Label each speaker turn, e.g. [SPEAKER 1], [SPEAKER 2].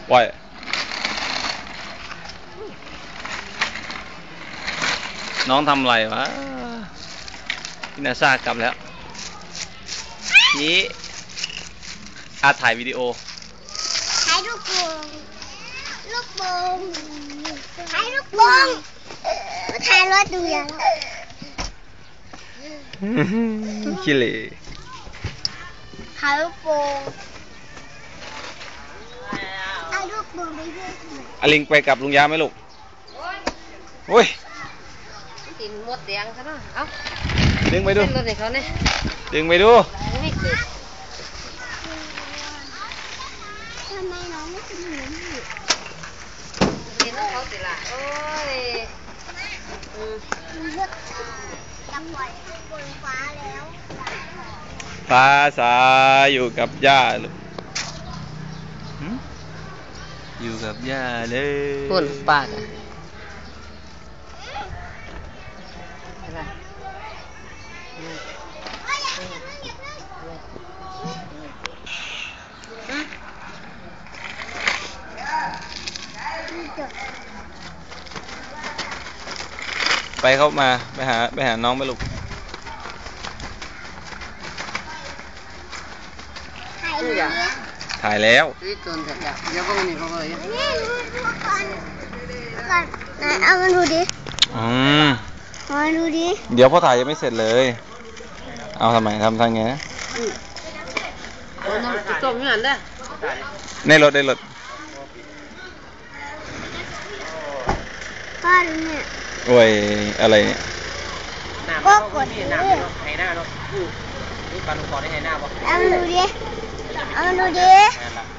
[SPEAKER 1] ปล่อยน้องทำอะไรวะพี่นาซากลับแล้วนี่ถ่ายวิดีโอ
[SPEAKER 2] ถ่ายลูกโป่งถ่ายลูกโป่งถ่ายรถดูอย่าง
[SPEAKER 1] ขี้เหร่
[SPEAKER 2] ถ่ายลูกโป่งถ่ายลูกโป่งไปด้วย
[SPEAKER 1] อลิงไปกับลุงยาไหมลูกโอ้ย
[SPEAKER 3] กินหมดแดงซะเนาะเอ้า
[SPEAKER 1] ดึงไปดูดึงไปดู
[SPEAKER 2] ทำไมน้องไม่กินหมู
[SPEAKER 3] กินแล้วเขาสิล่ะโอ้ย
[SPEAKER 2] จะปล่อยบนฟ้าแล้ว
[SPEAKER 1] ฟ้าสาอยู่กับย่าลูกอยู่กับย่าเลย
[SPEAKER 3] คนปาก
[SPEAKER 1] ไปเข้ามาไปหาน้องไปลูกถ่ายแล้ว
[SPEAKER 2] เอามาดูดิ
[SPEAKER 1] มา
[SPEAKER 2] ดูดิ
[SPEAKER 1] เดี๋ยวพ่อถ่ายยังไม่เสร็จเลยเอาทำไมทำไงนะ
[SPEAKER 3] จมอย่างนั้นได้
[SPEAKER 1] ในรถ
[SPEAKER 2] พ่อดูเนี่ย
[SPEAKER 1] โอ้ยอะไรเนี่ย
[SPEAKER 2] ก็กด
[SPEAKER 3] ให้หน้าเนาะนี่ปลาลูกคอได้ให้หน้าป่ะ
[SPEAKER 2] เอามาดูดิ